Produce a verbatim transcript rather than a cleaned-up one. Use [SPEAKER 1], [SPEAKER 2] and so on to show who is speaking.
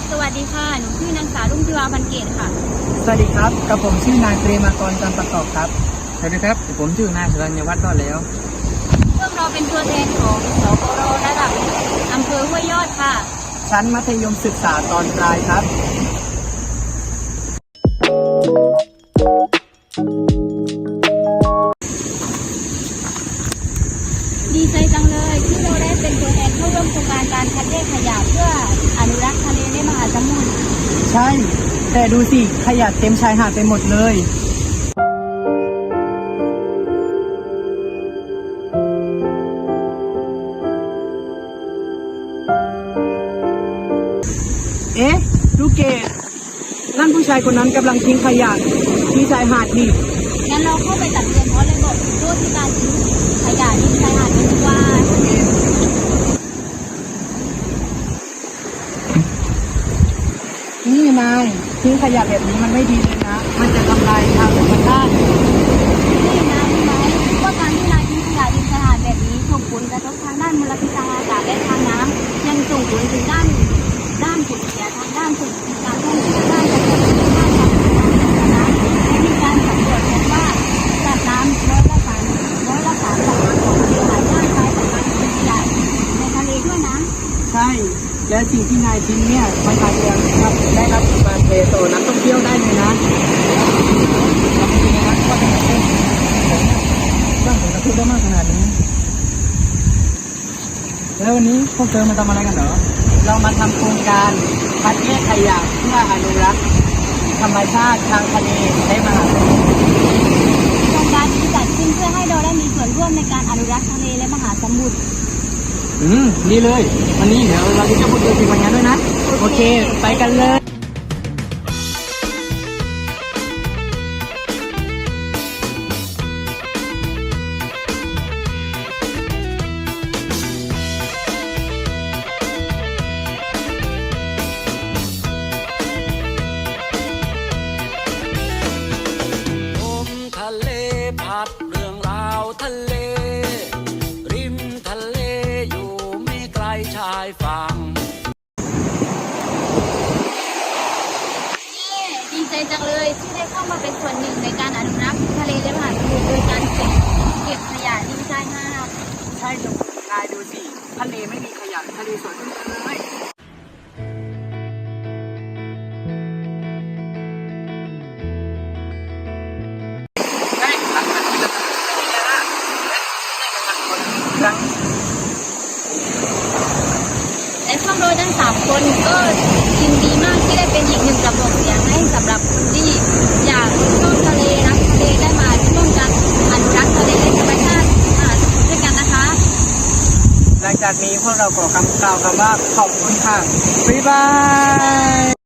[SPEAKER 1] สวัสดีค่ะ หนูชื่อนางสาวรุ่งธิวาพันเกตค่ะ
[SPEAKER 2] สวัสดีครับกับผมชื่อนายเตรมากรจันทร์ประกอบครับ
[SPEAKER 3] สวัสดีครับผมชื่อนายสรัญญวัฒน์รอดแล้ว
[SPEAKER 1] พวกเราเป็นตัวแทนของสปรระดับอำเภอห้วยยอดค่ะ
[SPEAKER 2] ชั้นมัธยมศึกษาตอนปลายครับ
[SPEAKER 1] ดีใจจังเลยที่เราได้เป็นตัวแทนเข้าร่วมโครงการการคัดแยกขยะเพื่ออนุรักษ์ทะเลและมหาสมุทร
[SPEAKER 2] ใช่ แต่ดูสิขยะเต็มชายหาดไปหมดเลยเอ๊ะลูกเกดนั่นผู้ชายคนนั้นกำลังทิ้งขยะที่ชายหาดนี่
[SPEAKER 1] งั้นเราเข้าไปตักเตือนเขาเลยบอกโทษที่การทิ้งขยะที่ชายหาดกันดีกว่า
[SPEAKER 2] นี่นายทิ้งขยะแบบนี้มันไม่ดีเลยนะ มันจะทำลายทางธรรมชาติ
[SPEAKER 1] นี่นะรู้ไหมว่าการที่นายทิ้งขยะริมชายหาดแบบนี้ส่งผลกระทบทางด้านมลพิษทางอากาศและทางน้ำยังส่งผลถึงด้านด้านผลเสียทางด้านเศรษฐกิจการท่องเที่ยวด้านการเกษตรด้านการพัฒนาและมีการสำรวจพบว่าสัตว์น้ำร้อยละสามร้อยละสามของของทะเลหลายด้านกลายเป็นการเป็นขยะในทะเลด้วยนะ
[SPEAKER 2] ใช่ และสิ่งที่นายทิ้งเนี่ยมันอาจจะครับได้รับการเทต่อนักท่องเที่ยวได้เลยนะเราไม่รู้นะว่าจะเป็นสร้างผลกระทบได้มากขนาดนี้ แล้ววันนี้พวกเธอมาทำอะไรกันเหรอ เรามาทำโครงการคัดแยกขยะเพื่ออนุรักษ์ธรรมชาติทางทะเลและมหาสมุทร
[SPEAKER 1] โครงการนี้จัดขึ้นเพื่อให้เราได้มีส่วนร่วมในการอนุรักษ์ทะเลและมหาสมุทร
[SPEAKER 2] อืมดีเลย วันนี้เดี๋ยวเราจะพูดคุยกันวันนี้ด้วยนะ โอเค ไปกันเลย
[SPEAKER 4] ลมทะเลพัดเรื่องราวทะเล ริมทะเลอยู่ไม่ไกลชายฝั่ง
[SPEAKER 1] ดีใจจังเลยที่ได้เข้ามาเป็นส่วนหนึ่งในการอนุรักษ์ทะเลและมหาสมุทรโดยการเก็บเก็บขยะริมชายหาด
[SPEAKER 2] ใช่จ้ะนายดูสิ ทะเลไม่มีขยะ ทะเลสวยขึ้นเลยครั้ง
[SPEAKER 1] และพวกเราทั้งสามคนก็ยินดีมากที่ได้เป็นอีกหนึ่งกระบอกเสียงให้สำหรับคนที่อยากชอบทะเลรักทะเลได้มาร่วมกันอนุรักษ์ทะเลและธรรมชาติมหาสมุทรด้วยกันนะคะ
[SPEAKER 2] หลังจากนี้พวกเราขอคำกล่าวคำว่าขอบคุณค่ะ บ๊ายบาย